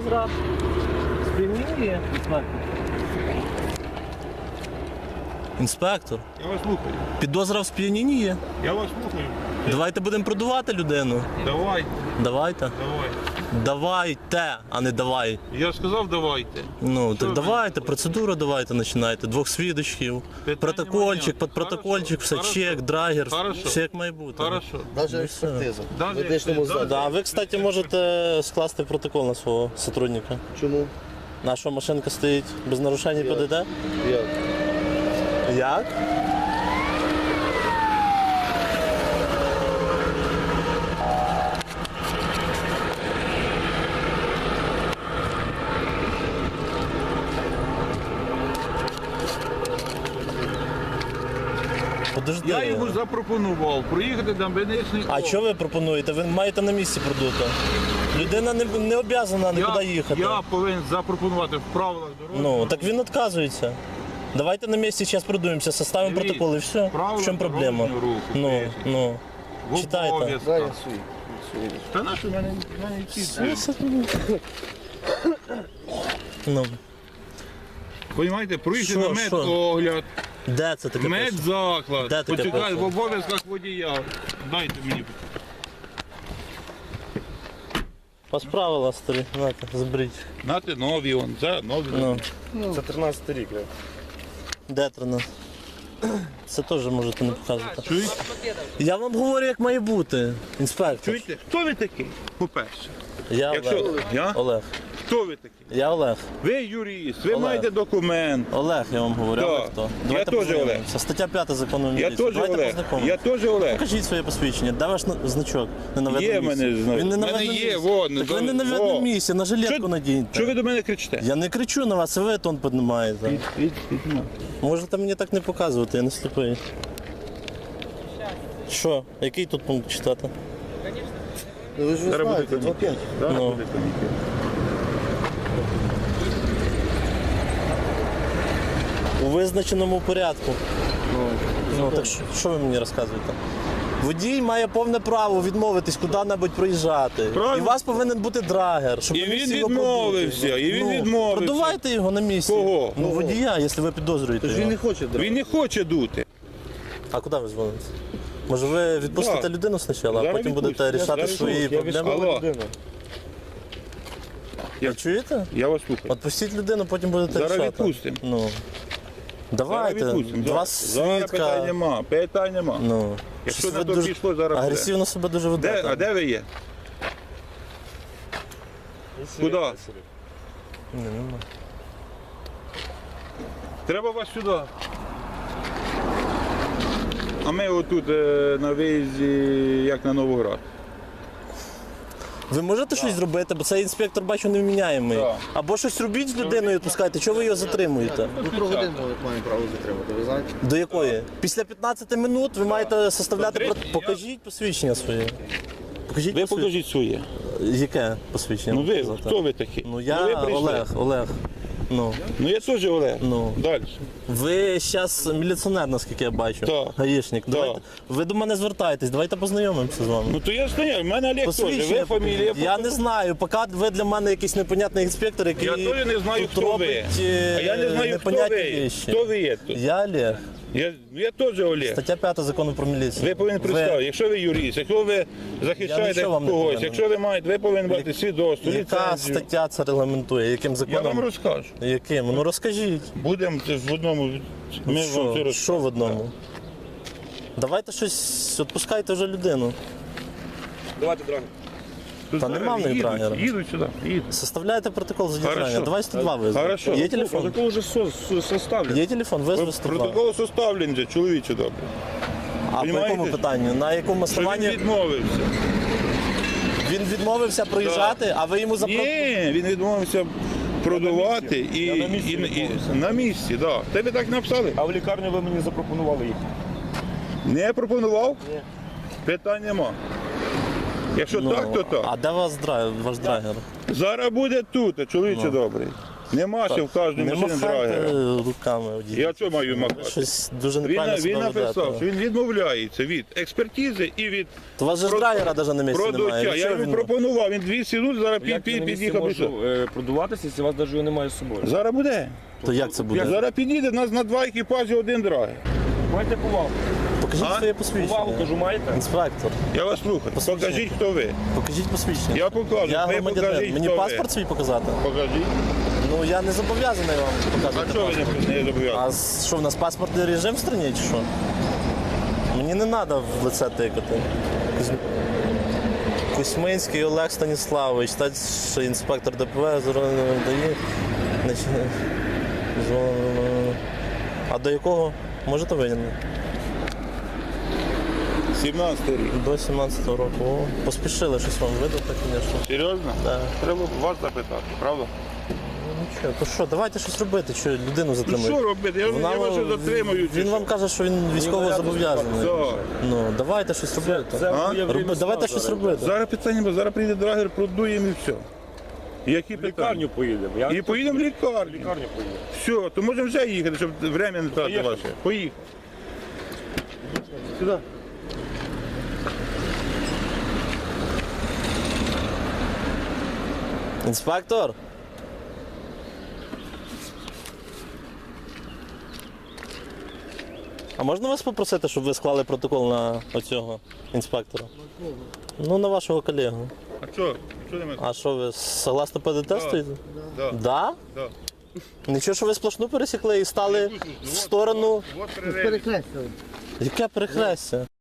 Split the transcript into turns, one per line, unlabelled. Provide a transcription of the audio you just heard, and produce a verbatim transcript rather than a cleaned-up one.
Підозра сп'яніння, інспектор. Інспектор,
Я вас слухаю.
підозра в сп'янінні є.
Я вас слухаю.
Давайте будемо продувати людину.
Давайте,
Давайте.
давайте.
Давайте, а не давай.
Я ж сказав, давайте.
Ну,
Що
так
ви?
давайте, процедуру давайте починайте. Двох свідочків,
Питань
протокольчик,
немає.
під протокольчик, все,
Хорошо.
чек, драгер,
Хорошо.
все як має бути.
Хорошо.
Навіть експертиза.
Даже
В медичному
якщо-
закладі.
Да, а ви, кстати, можете скласти протокол на свого сотрудника.
Чому?
Наша машинка стоїть без нарушень П Д Д?
Як?
Як? Подожди.
Я йому запропонував проїхати на медичний
А
огляд.
що ви пропонуєте? Ви маєте на місці продути. Людина не, не обов'язана нікуди
я,
їхати.
я повинен запропонувати в правилах дорожнього.
Ну, так він відказується. Давайте на місці зараз продуємося, составимо
Дивіться,
протокол і все.
правила
В чому проблема?
дорожнього руху,
Ну,
поясню.
ну.
В
Читайте.
обов'язках.
Да, я свій. Свій.
Та на що в мене, в мене ці
Все, Ну,
Понімаєте, проїхати
Що,
на
що?
медогляд,
де це таке? пише?
медзаклад.
Де таке
Почекай,
пише?
в обов'язках водія. Дайте мені.
По правила старі, знаєте, зберіть.
Нате нові, он, це нові.
Ну,
Це тринадцятий рік. я.
де трина? Це теж можете не показувати.
Чуєте?
Я вам говорю, як має бути, інспектор.
Чуєте? Хто ви такий? По-перше.
Я
Якщо
Олег.
я?
Олег.
Хто ви такий?
Я Олег.
Ви юрист, ви
Олег.
маєте документ.
Олег, я вам говорю.
Да.
Олег хто?
Я теж
познайомимося. Стаття п'ята закону
Я
міліції.
теж
Давайте
Олег.
познайомимося.
Я теж Олег.
Покажіть своє посвідчення. Де ваш на- значок? Не на
Є в
видному
мене
місці.
знак.
Він не
В
на
мене
видному
є,
місці.
вон,
Так
до-
ви не на
во.
видному місці, на жилетку надіньте.
Що ви до мене кричите?
Я не кричу на вас, а ви тон піднімаєте. Можете мені так не показувати, я не сліпий. Що? Який тут пункт читати?
Ну, ви ж ви
Зараз буде
знаєте, два п'ять.
Зараз
Ну.
буде комітет.
У визначеному порядку. Ну, так що, що ви мені розказуєте? Водій має повне право відмовитись куди-небудь проїжджати.
Правильно.
І у вас повинен бути драгер, щоб
І
ви
він
всі його
відмовився,
продули.
і він
ну,
відмовився.
Продувайте його на місці.
Кого?
Ну,
Кого?
водія, якщо ви підозрюєте
Тож
його.
він не хоче драти.
Він не хоче дути.
А куди ви дзвоните? Може ви відпустите
Да.
людину спочатку, а
Зараз
потім будете
відпустю.
рішати
Зараз
свої
відпустю. Я
проблеми?
відпустю. Алло.
Людина.
Ви чуєте?
Я вас слухаю.
Отпустіть людину, потім будете
Зараз
рішати.
відпустимо.
Ну. Давайте,
Зараз відпустимо.
два
Зараз. Зараз питань
свідка.
нема, питань нема.
Ну.
Якщо
Щось
на
ви
то
дуже
пішло, зараз буде.
агресивно себе дуже ведете.
Де, а де ви є? Куди?
Ні, нема.
Треба вас сюди. А ми отут е, на виїзді, як на Новоград.
Ви можете щось зробити, бо цей інспектор, бачу, невміняємий.
Так.
Або щось робіть з людиною, відпускайте, чого ви його затримуєте?
Ну, про годину маємо право затримати, ви знаєте?
До якої? Після п'ятнадцяти минут ви маєте составляти...
До
про-
тридцять.
Покажіть посвідчення своє. Покажіть
Ви
посвідчення.
покажіть своє.
Яке посвідчення?
Ну ви,
показати?
хто ви такі?
Ну я
ви прийшли.
Олег, Олег. Ну.
Ну я теж Олег.
Ну.
Далі.
Ви зараз міліціонер, наскільки я бачу.
Так.
Гаїшник. Давайте, ви до мене звертаєтесь, давайте познайомимося з вами.
Ну то я знаю, в мене Олег теж.
Посвідчення
Ви фамілія.
покажіть. Я не знаю, поки ви для мене якийсь непонятний інспектор, який
Я теж не знаю,
тут
хто ви.
робить е,
А я не знаю, хто
непонятні
ви.
речі.
Хто ви є тут?
Я Олег.
Я, я теж Олег.
Стаття п'ята закону про міліцію.
Ви повинні представити, якщо ви юрист, якщо ви захищаєте
нічого вам не
когось,
повинен.
якщо ви маєте, ви повинні мати свідоцтво,
Яка
ліцензію.
стаття це регламентує? Яким
Я вам
законом?
розкажу.
Яким? Ну розкажіть.
Будемо це ж в одному. Ми вам це
Що?
розкажемо.
Що в одному? Давайте щось, відпускайте вже людину.
Давайте драгер.
Тут
Та
зараз
нема в них
їдуть,
драгера.
Їдуть сюди, їдуть.
Составляйте протокол задержання.
Хорошо.
Давай сто два визви.
Хорошо.
Є телефон?
Протокол вже со- со- составлен.
Є телефон, визви сто два.
Протокол составлений вже, чоловіче добре.
А по
Понімаєте?
якому питанню? На якому
Що він
основанні
відмовився?
він відмовився проїжджати, а ви йому запро...
Ні, він відмовився продавати і,
Я на місці
і, і,
відмовився.
на місці, так. Да. Тебе так написали?
А в лікарню ви мені запропонували їх.
Не пропонував? Ні. Питань нема. Якщо
Ну,
так, то так.
А де вас драйв, ваш драгер?
Зараз буде тут, чоловіче
Ну.
добрий. Нема ще в кожній
Не
машині
махайте
драгера.
руками. водій.
Я що маю махати?
Щось дуже
Він,
неправильно
він
себе
написав,
ведете.
що він відмовляється від експертизи і від
То у вас же ж
Про-
драйвера навіть на місці
продавця.
немає.
Я
Чого
йому
він-
пропонував, він двісті минут, зараз під,
Як я
під,
на місці
під'їхав.
можу
пішов.
е, продуватися, якщо вас навіть немає з собою?
Зараз буде.
То як це буде?
Зараз підійде, нас на два екіпажі один драгер.
Маєте повагу.
Покажіть
А?
своє
Повагу,
посвідчення.
кажу, маєте?
Інспектор,
Я вас слухаю.
Посвідчення.
Покажіть, хто ви.
покажіть посвідчення.
Я покажу.
Я
Ви
громадянин.
покажіть,
Мені
хто
паспорт
ви.
свій показати?
Покажіть.
Ну я не зобов'язаний вам показувати.
А чого ви
паспорт.
не, не зобов'язані?
А з- що, в нас паспортний режим в країні чи що? Мені не треба в лице тикати. Кузь- Кузьминський Олег Станіславович, старший інспектор ДПВ, зеленого дає. А до якого? Можете винятий?
сімнадцятий рік.
До сімнадцятого року. О, поспішили щось вам видати, звісно.
Серйозно?
Так.
Треба вас запитати, правда?
Ну нічого, то що, давайте щось робити, що людину
Ну
затримують.
що робити? Я,
Вона-
я вас що затримую. чи
Він
що?
вам каже, що він військово
наряду
зобов'язаний.
Так.
Ну, давайте щось робити.
Це
А?
моє время
Роби, давайте
сна
щось
зараз.
робити.
Зараз питання, бо зараз прийде драгер, продуємо і все. Які
В
питання?
лікарню поїдемо. Я
І поїдемо в
в
лікарню.
лікарню поїдемо.
Все, то можемо вже їхати, щоб время не тратити
Поїхали.
ваше. Поїхали. Сюди.
Інспектор? А можна вас попросити, щоб ви склали протокол на оцього інспектора? Ну, на вашого колегу.
А що? Що немає?
А що ви согласно ПДТ стоїте?
Да.
Да?
Да.
Нічого, що ви сплошну пересікли і стали в сторону.
Вот перерив.
Перекреслили.
Яке перехрестя?